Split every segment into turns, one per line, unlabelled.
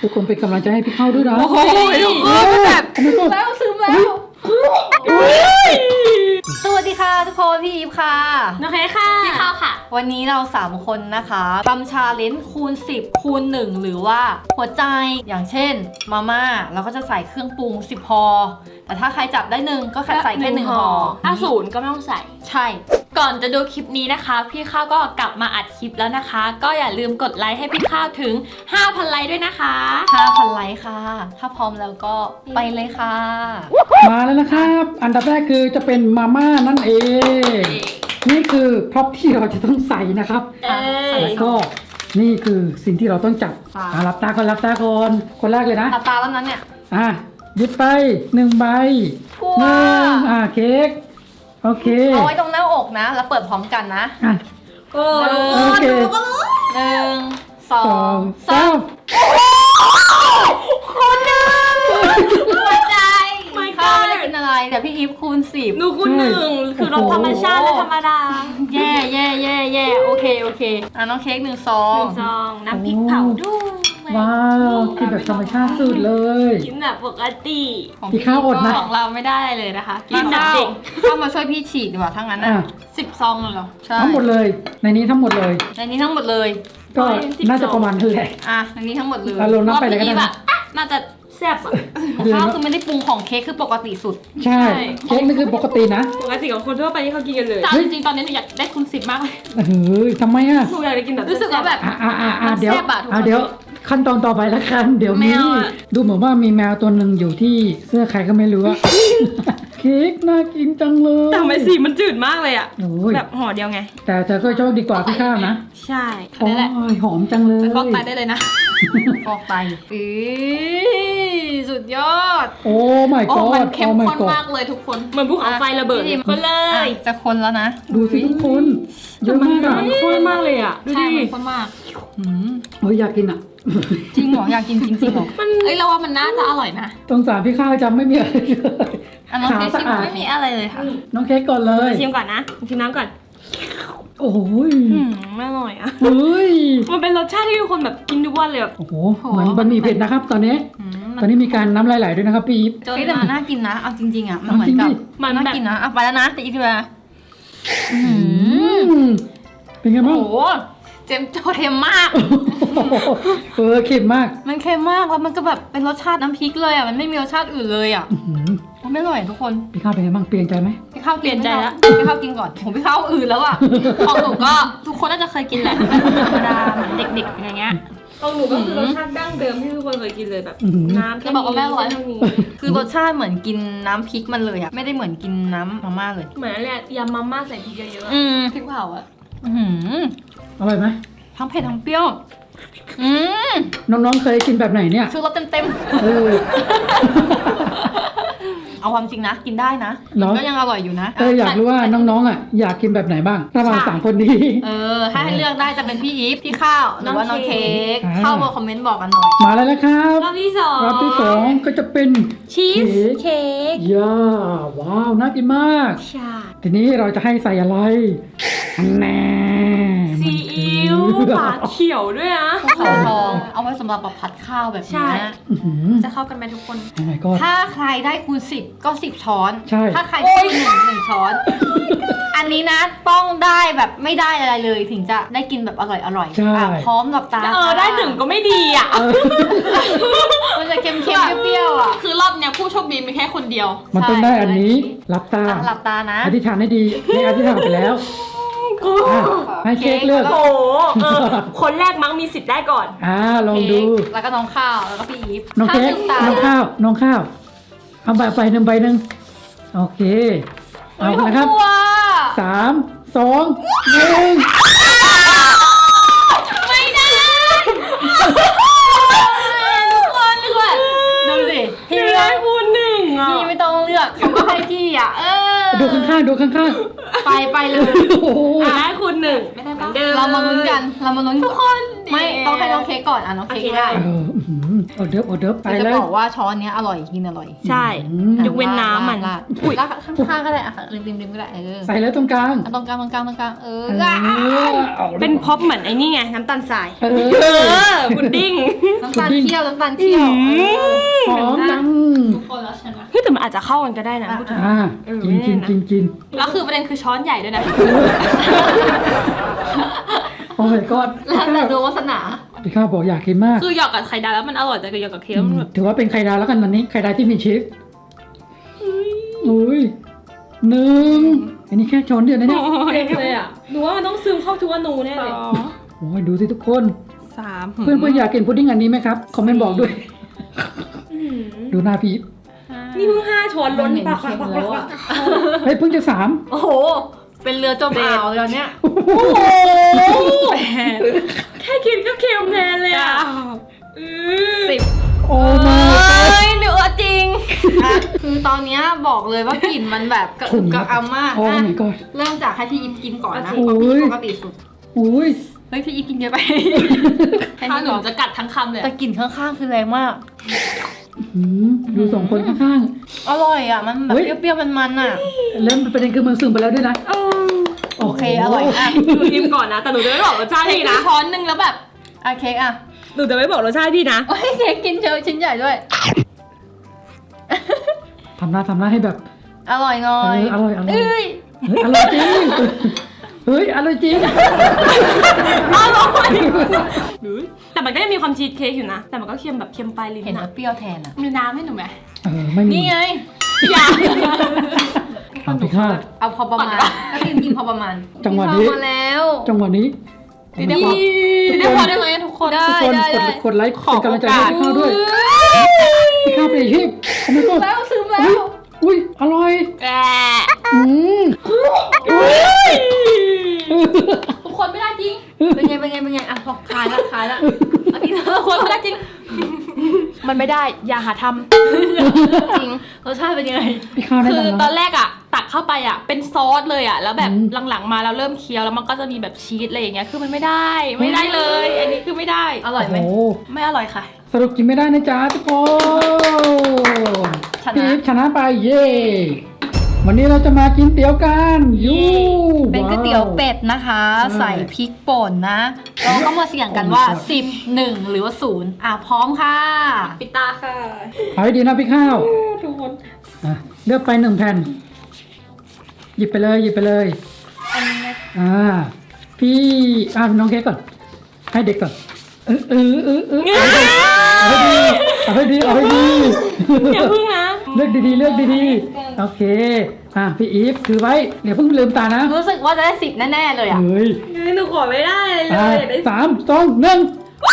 ทุกคนเป็นกำลังใจให้พี่เข้าด้วยนะ
โอ้โหทุกคนแบบแล้วซึมแล้วสวัสดีค่ะทุกคนพี่อีฟค่ะ
โอเคค่ะพี่ข้าวค่ะ
วันนี้เรา3คนนะคะทำชาเลนจ์คูณ10คูณ1หรือว่าหัวใจอย่างเช่นมาม่าเราก็จะใส่เครื่องปรุง10ห่อแต่ถ้าใครจับได้1ก็แค่ใส่แค่1ห่อ
ถ้าศูนย์ก็ไม่ต้องใส่
ใช่
ก่อนจะดูคลิปนี้นะคะ พี่ข้าวก็กลับมาอัดคลิปแล้วนะคะ ก็อย่าลืมกดไลค์ให้พี่ข้าวถึง 5,000 ไลค์ด้วยนะคะ
5,000 ไลค์ค่ะถ้าพร้อมแล้วก็ไปเลยค่ะ
มาแล้วนะครับ อันดับแรกคือจะเป็นมาม่านั่นเอง นี่คือพร็อพที่เราจะต้องใส่นะครับ แล้วก็นี่คือสิ่งที่เราต้องจับหลับตาก่อนหลับตาก่อนคนแรกเลยนะ
ตาแล้วนั้นเนี่ย
หยิบไป1ใบ
ทั่ว
เค้กโอเค
เอาไว้ตรงหน้าอกนะ แล้วเปิดพร้อมกันนะ
โอ้
โอเค
1 2
2 3
คูณ1หัวใจ
ไม่
ข้า
ก็
วไม่ได้กินอะไรแต่พี่อีฟคูณ10
หนูคุณ1คือรสธรรมชาติและธรรมดา
แย่โอเคน้องเค้ก1 ซอง
1 ซองน้ำพริกเผาด้วย
ว้าวกินแบบธรรมชาติสุดเลย
กินแบบปกติ
ของ
พี่ข้าวอดนะ
ของเราไม่ได้เลยนะคะกิ
กิ
น
น
แบบ
ข้าว
เด็ก
เข้ามาช่วยพี่ฉีดดีกว่าทั้งนั้นนะ
10 ซองเลยเหรอ
ใช่
ทั้งหมดเลย ในนี้ทั้งหมดเลย
ในนี้ทั้งหมดเลย
ก็น่าจะประมาณนั้นแหละ
ในนี้ทั้งหมดเลย
เราลงน้ำไปเลยก็ได้นะ
น่าจะแซ่บอ่ะ
ข้าวคือไม่ได้ปรุงของเค้กคือปกติสุด
ใช่ เค้กนี่คือปกตินะ
ปกติของคนทั่วไปที่เขากินกันเลย
จริงๆตอนนี้หนูอยากได้คูณ10มากเลย
เฮ้ยทำไมอ่ะ
หนูอยากไปกินแบบ
รู้สึกว่าแบบ มัน
เดี๋ยว
แซ่บอะทุกคน
เดี๋ยวขั้นตอนต่อไปละกันเดี๋ยวนี้
แมวอะ
ดูเหมือนว่ามีแมวตัวหนึ่งอยู่ที่เสื้อใครก็ไม่รู้อะ เค้กน่ากินจังเลย
แต่ทำไมสีมันจืดมากเลยอ่ะ
โอ้ย
แบบห่อเดียวไง
แต่เธอก็โชคดีกว่าพี่ข้าวนะ
ใช่
โอ้ยหอมจังเลย
ไปฟอกไตได้เลยนะ
ฟอกไตสุดยอด
โอ้ my
โอ้
god
มันเข้ม
โอ้ my
ข้น
god
มากเลยทุกคน เหมือนภูเขาไฟระเบิด
พี่ทิม
คนเลย
จะคนแล้วนะ
ดูสิทุกคนเยอะมากอะ
มันข้นมากเลยอ่ะ ดู
ใช่
ดิ
มันคนมาก
โอ้ยอยากกินอะ
จริงเหรออยากกินจริงเหรอ
เอ้ยเราว่ามันน่าจะอร่อยนะ
สงสารพี่ข้าวจำไม่มีอะไรเลย
อันน้อง
ขาว
เค้ก
สะ
ชิม
อาด
ไม่มีอะไรเลยค่ะ
น้องเค้กก่อนเลย
ชิมก่อนนะชิมน้ำก่อน
โอ้ย
ไม่อร่อยอ่ะ
เฮ้ย
มันเป็นรสชาติที่ทุกคนแบบกินทุกวันเลยแบบ
โอ้โหเหมือนบะหมี่เผ็ดนะครับ ตอนนี้
มั
ตอนนี้มีการน้ำลายไหลด้วยนะครับพี่อีฟ
จนแต่มันน่ากินนะ เอาจริงๆอ่ะ มันเหมือนกับ
มัน
น่า
แบบ
กินนะเอาไปแล้วนะแต่อีกทีละ
เป็นไงบ้าง
โอ้โหเค็มมาก
เค็มมาก
มันเค็มมากแล้วมันก็แบบเป็นรสชาติน้ำพริกเลยอ่ะ มันไม่มีรสชาติอื่นเลยอ่ะ
อื้อหือ
มันไม่อร่อยทุกคน
พี่ข้าวเป็นไงบ้างเปลี่ยนใจไหม
พี่ข้าว
เปลี่ยนใจละ
พี่ข้าวกินก่อนผมพี่ข้าวอื่นแล้วอ่ะ
ของหนูก็ทุกคนน่าจะเคยกินแหละธรรมดาเหมือนเด็กๆอย่างเงี้ยของหนูก็คือรสชาติดั้งเดิมที่ทุกคนเคยกินเลยแบบ
อื้อหือ
น้ำ
จะบอกว่าแม่อร่อย
เท่านี้
คือรสชาติเหมือนกินน้ำพริกมันเลยอ่ะ ไม่ได้เหมือนกินน้ำมาม่าเลย
เหมือนอะไรยำมาม่าใส่พริกเยอะ
พริกเผาอ่ะ
อร่อยไหม
ทั้งเผ็ดทั้งเปรี้ยว
น้องๆเคยกินแบบไหนเนี่ย
คือรสเต็ม
เออ
ๆ เอาความจริงนะ กินได้นะ
เหรอ
ก็ยังอร่อยอยู่นะ
อยากรู้ว่าน้องๆอ่ะอยากกินแบบไหนบ้างระหว่างสามคนนี้
ถ้าให้เลือกได้จะเป็นพี่อีฟพี่ข้าวหรือว่าน้องเค้ก
อ่า
เข้ามาคอมเมนต์บอกกันหน่อย
มาแล้วนะครับ
ๆรอบที่สอง
รอบที่สองก็จะเป็น
ชีสเค้ก
ย่าว้าวน่ากินมาก
ใช่
ทีนี้เราจะให้ใส่อะไรอันแน่
ซีอิ๊วฝาเขียวด้วยนะ
ภูเขาทองเอาไว้สำหรับแบบผัดข้าวแบบ
ใช่
นี้
อื้อหือ
จะเข้ากันไหมทุกคน
โอ้ my god
ถ้าใครได้คูณ10ก็10 ช้อน
ใช่
ถ้าใครได้คูณ1ช้อน อันนี้นะต้องได้แบบไม่ได้อะไรเลยถึงจะได้กินแบบอร่อย
ใช่
พร้อมกับตา
ได้หนึ่งก็ไม่ดีอ่ะ
มันจะเค็มๆเปรี้ยวๆอ่ะ
คือรอบเนี้ยผู้โชคดีมีแค่คนเดียว
มันต้องได้อันนี้หลับตา
หลับตานะ
อธิษฐานให้ดีให้อธิษฐานไปแล้วอ่ะให้เค้กเลือก
โอ้โหคนแรกมั้งมีสิทธิ์ได้ก่อน
ลองดู
เค้กแล้วก็น้องข้าวแล้วก็พี่อีฟ
น้องเค้ก
ลืมตา
น้องข้าวน้องข้าวเอาใบหนึ่งโอเคเอาละครับ
กลัว
3 2 1
ไม่ได้ทุกคนทุกคนดูสิพี่
พี่ได้คูณ1อ่ะ
พี่ไม่ต้องเลือกเขาก็ให้พี่อ่ะ
ดูข้างๆดูข้าง
ไปเลย
ๆโอ้โห
ได้คูณ1ไม่ได้ปะ
เรามาลุ้นกันเรามาลุ้นทุกคนไม่ต้องให้น้องเค้กก่อนอ่ะน้องเค้ก
โอเค
ได้
ออเดิร์ฟออเดิร์ฟไป
แต่จะ
เลย
บอกว่าช้อนเนี้ยอร่อยกินอร่อย
ใช่
อืม
ยกเว้นน้ำมัน
ราด
อุ๊ย
ราดข้างๆก็ได้อ่ะริมๆก็ได้
ใส่เลยตรงกลาง
ตรงกลาง
เอ
เออ
อาลย
เป็นพ็อปเหมือนไอ้นี่ไงน้ำตาลทราย
เอ
เอ
อ
พุดดิ้ง
น้ำตาลเคี่ยวน้ำตาลเคี่ยว
หอมจัง
ทุกคนแล้วชนะ
เฮ้ยแต่มันอาจจะเข้ากันก็ได้นะพูดถึง
อ่ากิน
แล้วคือประเด็นคือช้อนใหญ่ด้วยนะ
โอ้ยก็
แล้วแต่ดวงวาสนา
พี่ข้าวบอกอยากกินมาก
คือหยอกกับไข่ดาวแล้วมันอร่อยแต่กับหยอกกับเค้กแล้วมันแบบ
ถือว่าเป็นไข่ดาวแล้วกันวันนี้ไข่ดาวที่มีชีสอุ้ยหนึ่งอันนี้แค่ช้อนเดียวนะเนี่ย
เลยอ่ะหนูว่ามันต้องซึมเข้าทุกอนูแน่เลย
โอ้ยดูสิทุกคน
สาม
เพื่อนๆอยากกินพุดดิ้งอันนี้ไหมครับคอมเมนต์บอกด้วย ดูหน้าพี่
นี่เพิ่ง5 ช้อนล้นปาก
เค็มแล้วอ่ะ
เฮ้ยเพิ่งจะ3
โอ้โห เป็นเรือจมอ่าวเลยตอนเนี้ย
โอ้โหแค่กินก็เค็มแทนเลยอ่ะ
โอ้
เ
มา
ฮ้ยเนื้อจริงคือตอนเนี้ยบอกเลยว่ากลิ่นมันแบบกระอึกกระอัมมาก
โอ้
อ่ะ
my god
เริ่มจากให้พี่อิฟกินก่อนนะ
โอ้ย
ปกติสุด
อุ้ย
เฮ้ยพี่อิฟกินเยอะไปแค่
ถ้า
นี้
หนู
ก่อน
จะกัดทั้งคำเลย
แต่กลิ่นข้างๆคือแรงมาก
ดูสองคนข้าง
อร่อยอ่ะ มันแบบ
เฮ้ย
เปรี้ยวๆมันๆอ่ะ
ๆแล้วประเด็นคือมันซึมไปแล้วด้วยนะ
โอเคอร่อยอ่ะ
หนูชิมก่อนนะแต่หนูจะไม่บอกรสชาติ
เค้ก
พี่
นะ
นะ
ช้อนหนึงแล้วแบบอ่ะเค้กอ่ะ
หนูจะไม่บอกรสชาติพี่นะ
โอ้ยเค้กกินเยอะชิ้นใหญ่ด้วย
ทำหน้าให้แบบ
อร่อยหน่อย
อร่อย
เอ้ย
เฮ้ยอร่อยจริงเฮ้ยอร่อยจริง
แต่มันก็ยังมีความชีสเค้กอยู่นะ แต่มันก็เค็มแบบเค็มปลายลิ้น
เห็น
นะ
แล้วเปรี้ยวแทนอ่ะ
มีน้ำให้หนูไหม
ไม่มี
นี่ไง
อยาก
ทำพี่ข้าว
เอาพอประมาณก็กินพอประมาณ
จังหวะนี้
พี่เข้ามาแล้ว
จังหวะนี้
เดี๋ยว
ได้พอได้ไหมทุกคน
ได้
ทุกคน
ได้
กดไลค์เป็นกำลังใจให้พี่ข้าวด้วยพี่ข้าวไปอีกทีโอ้ my god
แล้วซึมแล้ว
อุ้ยอร่อย
แก
อืม
ทุกคนไม่ได้จริง
เป็นไงอ่ะพอคลายละเอากินเถ
ทุ
อะ
กคนไม่ได้จริง มันไม่ได้ อย่าหาท
จริงรสชาติเป็นยังไง
พี่ข้าว
ำ
แนะ
คือน
ำ
ตอ
นะ
นแรกอะตักเข้าไปอะเป็นซอสเลยอะแล้วแบบ
อืม
หลังๆมาเราเริ่มเคี้ยวแล้วมันก็จะมีแบบชีสอะไรอย่างเงี้ยคือมันไม่ได้เลย อันนี้คือไม่ได้
อร่อยไหม
โอ้
ไม่อร่อยค่ะ
สรุปกินไม่ได้นะจ๊ะทุกคน
ชนะ
พี่อีฟชนะไปเย่วันนี้เราจะมากินเตี๋ยวกันยู
เป็นก๋วยเตี๋ยวเป็ดนะคะ
ใช่
ใส่พริกป่นนะเราก็มาเสี่ยงกันว่า 10 1 หรือว่า0อ่ะพร้อมค่ะ
ปิดตาค่ะ
เอาให้ดีนะพี่ข้าว
ทุกคน
อ่ะเลือกไป1 แผ่น หยิบไปเลย
อันนี้นะ
พี่น้องเค้กก่อน ให้เด็กก่อนเอาให้ดี
อย่าพึ่งนะ
เลือกดีๆโอเคพี่อีฟถือไว้เดี๋ยวเพิ่งลืมตานะ
รู้สึกว่าจะได้ 10 แน่ๆเลยอ่ะ
เฮ้ย
หนูขอไม่ได้เลยอยากได้
3 2 1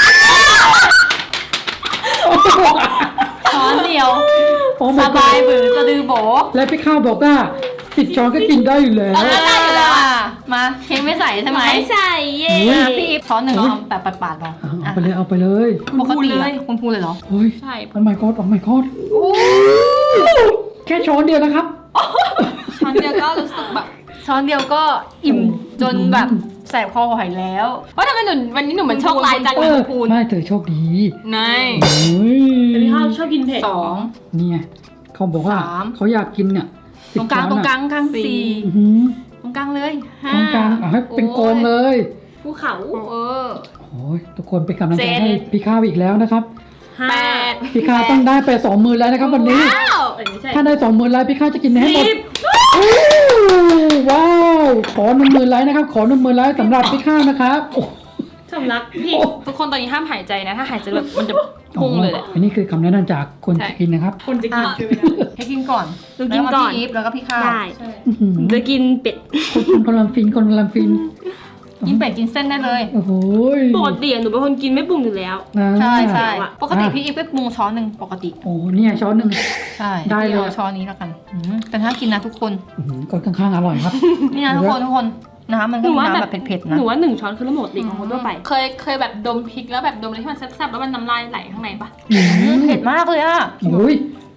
ช้อนเดียว
โอ้
ส
my
บาย
god
บือสะดือโบ
และพี่ข้าวบอกว่า10 ช้อนก็กินได้อยู่แล้ว
ได้อยู่แล้วอ่ะมาเค้กไม่ใส่ใช่ไหม
ไม่ใส่เย่
อ่ะพี่อีฟช้อนหนึ่งเอาแบบปาดๆลอง
เอาไปเลย
ปกติอะคุณพูดเลยเหรอ
โอ้ย
ใช่
โอ้ my god โอ้ my god แค่ช้อนเดียวนะครับ
ช้อนเดียวก็รู้สึกแบบช้อนเดียวก็อิ่มจนแบบแสบคอหอยแล้ว
ว่าทำไมหนูวันนี้หนูเหมือนโชคร้ายจัง
เอ
เลย
อ
คุณพูน
ไม่เธอโชคดี
นาย
โอ้ย
แต่พี่ข้าวชอบกินเผ็ด
2
นี่ไงเขาบอกว่า
3
เขาอยากกินเนี่ย
ตรงกลาง
10 ช้อน
กลาง
สี่
4
อื้อหือ
ตรงกลางเลย5
ตรงกลางเอาให้เป็นโกนเลย
ภูเขา
เออ
โอ้ยทุกคนเป็นกำลังใจ
เจ็ด
ให้พี่ข้าวอีกแล้วนะครับ
แปด
พี่ข้าวต้องได้ไป20,000แล้วนะครับวันนี้
ว้าวอันนี้ใช่
ถ้าได้20,000แล้วพี่ข้าวจะกินให้หมด
สิบ
อู้ว้าว ขอ10,000ไลค์นะครับ ขอ10,000ไลค์สำหรับพี่ข้าวนะครับโอ้
สำลักพี่
โอ้
ทุกคนตอนนี้ห้ามหายใจนะ ถ้าหายใจแบบมันจะพุ่งเลยแหละ
อันนี้คือคำแนะนำจากคน
ใช่
จะกินนะครับ
คนจะกิน
อ่ะ
ใช่ไหม
ให้กินก่อน
หนูกินก่อน
แล้วพี่อีฟแล้วก็พี่ข้าว
ได้
อื้อหือ
จะกินเป็ด
คนกำลังฟินคนกำลังฟิน
กินเป็ดกินเส้นได้เลย
โอ้โห
ปกติหนูเป็นคนกินไม่ปรุงอยู่แล้ว
นะ
ใช่ใช่
อ่ะ
ปกติพี่อีฟไปปรุงช้อนหนึ่งปกติ
โอ้เนี่ยช้อนหนึ่ง
ใช่
ได้เลย
พี่อาช้อนนี้แล้วกันแต่ถ้ากินนะทุกคน
อื้อหือคนข้างๆอร่อยครับ
นี่นะทุกคนน้ำมันก็มีน้ำแบบเผ็ดๆ
ห
นะ
นูว่า1 ช้อนคือละหมดดิของคนทั่วไป เคยแบบดมพริกแล้วแบบดมอะไรที่มันแซ่บๆแล้วมันน้ำลายไหลข้างในปะ
อื้อหือ
เผ็ดมากเลยอ่ะ
โอ้ย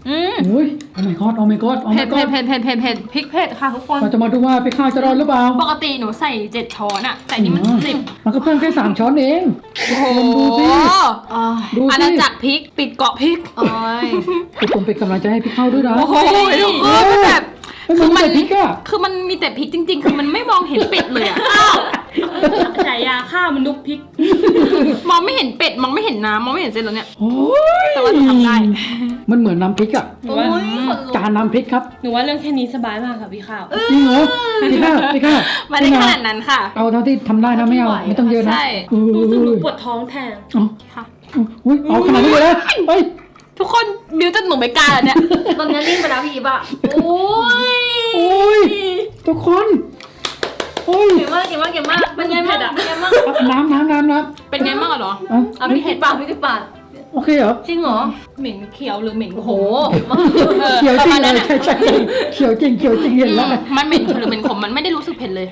อุ้ยโอ้ my god โอ้ my god โอ้
เผ็
my
ด
god
เผ็ดพริกเผ็ดค่ะทุกคน
เราจะมาดูว่าพี่ข้าวจะรอดหรือเปล่า
ปกติหนูใส่7 ช้อนอะแต่นี่มัน10
มันก็เพิ่มแค่3 ช้อนเอง
โอ้โห
ดูสิ ดู
อา
สิ
ณาจักรพริกปิดเกาะพริก
โอ้ย
ทุกคนเป็นกำลังใจให้พี่ข้าวด้วยนะ
โอ้โหทุกคนมันแบบ
คือมันพริกอะ
คือมันมีแต่พริกจริง ๆ คือมันไม่มองเห็นเป็ดเลยอะฉายาข้าวมันลุกพริก มองไม่เห็นเป็ดมองไม่เห็นน้ำมองไม่เห็นเส้นแล้วเนี่ย
โอ้ย
แต่ว่าหนูทำได้
มันเหมือนน้ำพริกอะ
โอ้ยขนลุก
จานน้ำพริกครับ
หนูว่าเรื่องแค่นี้สบายมากค่ะพี่ข้าว
จริงเหรอพี่ข้าว
ไม่ได้ขนาดนั้นค่ะ
เอาเท่าที่ทำได้นะไม่เอาไม่ต้องเยอะนะ
ใช่
อุ้
รู้สึกหนู
ย
ปวดท้องแทน
เอา
ค่ะ
อุ้ยเอาขนาดนี้เลยนะเฮ้ย
ทุกคนบิวจนหนูไม่กล้าแล้วเนี่ย
ตอนนี้นิ่งไปแล้วพี่อีฟอะโอ้ย
โอ้ยทุกคนโอ้ย
เก่งมากเป็นไงบ้างเป็นไงบ้าง
น้ำ
เป็นไงบ้างอะเหรอ
เอา
เอาพี่เผ็ดปากพี่ติดปาก
โอเคเหรอ
จริงเหรอ
เหม็นเขียวหรือเหม็น
โอ้โห
เขียวจริงเลยใช่เขียวจริงเห็นแล้ว
มันเหม็นเขียวหรือเหม็นขมมันไม่ได้รู้สึกเผ็ดเลย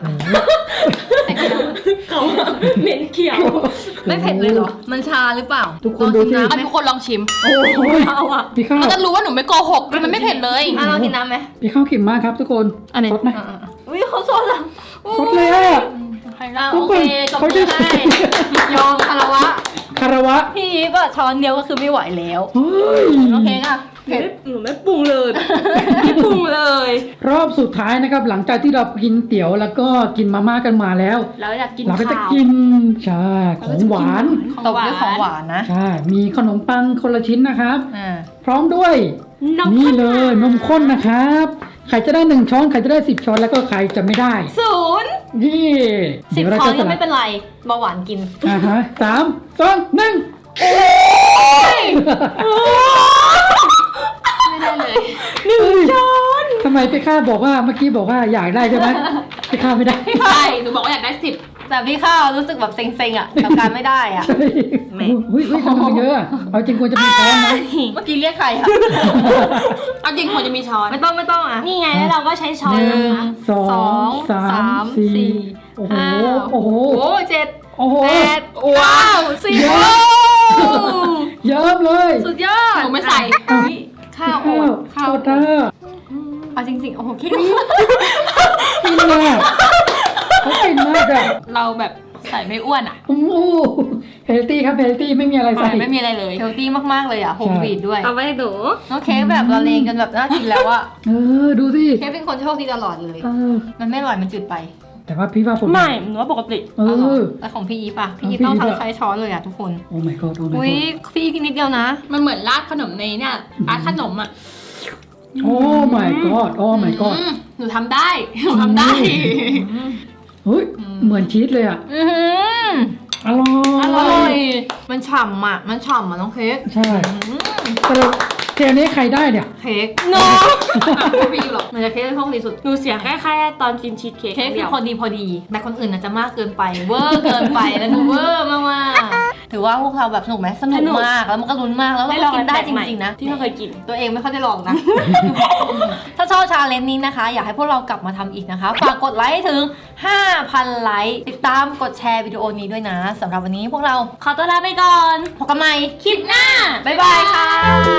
เขาเหม็นเขียว
ไม่เผ็ดเลยเหรอ มันชาหรือเปล่า
ทุกคนดูสิ
ลองกินน้ำไหม
ทุกคนลองชิม
โอ้ย
เอาอะ
พี่ข้าว
มันจะรู้ว่าหนูไม่โกหกมันไม่เผ็ดเลย
อ่ะลองกินน้ำไหม
พี่ข้าวขิมมากครับทุกคน
อันไหน
สดไหม
อุ้ยเขาสดอ่ะ
สดเลยอ่ะ
อ่ะ
ทุ
โอก
ค
เคน จบ
เขา
มื
จะ
อให้ยอมคารวะ
คารวะ
พี่อีฟอะช้อนเดียวก็คือไม่ไหวแล้ว
เฮ้ย
โอเคค่ะเผ็ด
หนูไม่ปรุงเลยไม่ปรุงเลย
รอบสุดท้ายนะครับ หลังจากที่เรากินเตี๋ยวแล้วก็กินมาม่ากันมาแล้ว
แล้วอยากกิน
เราก็จะ
ข้าว
กินใช่ของหวาน
ตบด้วยของหวานนะ
ใช่มีขนมปังคนละชิ้นนะครับ
อ่า
พร้อมด้วย
น้ำ
นี่
ข้น
เลยนมข้นนะครับใครจะได้1 ช้อนใครจะได้10 ช้อนแล้วก็ใครจะไม่ได้
0
ยี่
10
เดี๋ยวเรา
ช้อน
จะส
ยัง
ลั
ไม่
บ
เป็นไรเบาหวานกิน
ฮะ3 2 1
ไม่ได้เลย
ช้อนทำไมพี่ข้าบอกว่าเมื่อกี้บอกว่าอยากได้ใช่ไหมพี่ข้าไม่ได้
ใช่หนูบอกว่าอยากได้10
แต่พี่ข้าวรู้สึกแบบเซ็งๆอ่ะกับการไม่ได้อ่ะ
ใช่อุ้ยทำไมเยอะอะเอาจริงควรจะมีช้อนนะ
เมื่อกี้เรียกใครอ่ะ
เอาจริงควรจะมีช้อน
ไม่ต้องอ่ะ
นี่ไงแล้วเราก็ใช้ช้อน
1 2 3 4โอ้โหโอ้โห
โอ้เจ็ด
โอ้โห
แปดเก้าสิบ
เยอะ เยิ้มเลย
สุดยอด
หนูไม่ใส่
อุ๊ยข้าวโอดข้าว
โคตร
เอาจริงๆโอ้โหคิด
กินเลยเขากินมากอะ
เราแบบใส่ไม่อ้วนอ่ะ
โอ้โหเฮลตี้ครับเฮลตี้ไม่มีอะไรใส่
ไม่มีอะไรเลย
เฮลตี้มากๆเลยอ่ะโฮมวีดด้วย
เอาไว้หนู
น้องเค้กแบบละเลงกันแบบน่ากินแล้วอ่ะ
ดูสิ
เค้กเป็นคนโชคดีตลอดเลย
เออ
มันไม่อร่อยมันจืดไป
แต่ว่าพี่ว่าผม
ไม่หนูว่าปกติ
เออ
แล้วของพี่อีฟอ่ะพี่อีฟ
ของพี่
ต้อง
อีฟอะ
ทำใช้ช้อนเลยอ่ะทุกคน
โอ้ my god โอ้ my
อุ้ย
god
พี่อีฟกินนิดเดียวนะ
มันเหมือนราดขนมในเนี่ยราดขนมอ่ะ
โอ้ my god โอ้ my god
หนูทำได้หนูทำได้
เฮ้ยเหมือนชีสเลยอ่ะ
อือหือ
อร่อย
อร่อยมันฉ่ำอ่ะน้องเค้ก
ใช่สรุปเกมนี้ใครได้เนี่ย
เค้ก
โน้ไม่มีหรอก
มันจะเค้กเป็นโชคดีสุด
หนูเสียแค่ตอนกินชีสเค้ก
เค้ก
เดี
คื
ย
อ
ว
พอดีแต่คนอื่นอาจจะมากเกินไปเวอร์เกินไปแล้วหนูเวอร์มากๆถือว่าพวกเราแบบสนุกไหมสนุกมากแล้วมันก็ลุ้นมากแล้วเราก็กินได้จริงๆนะ
ที่ไม่เคยกิน
ตัวเองไม่ค่อยได้ลองนะ ถ้าชอบชาเลนจ์นี้นะคะ อยากให้พวกเรากลับมาทำอีกนะคะ ฝากกดไลค์ให้ถึง 5,000 ไลค์ ติดตามกดแชร์วิดีโอนี้ด้วยนะสำหรับวันนี้พวกเรา
ขอตัวลาไปก่อน
พบกันใหม่
คลิปหน้า
บ๊ายบายค่ะ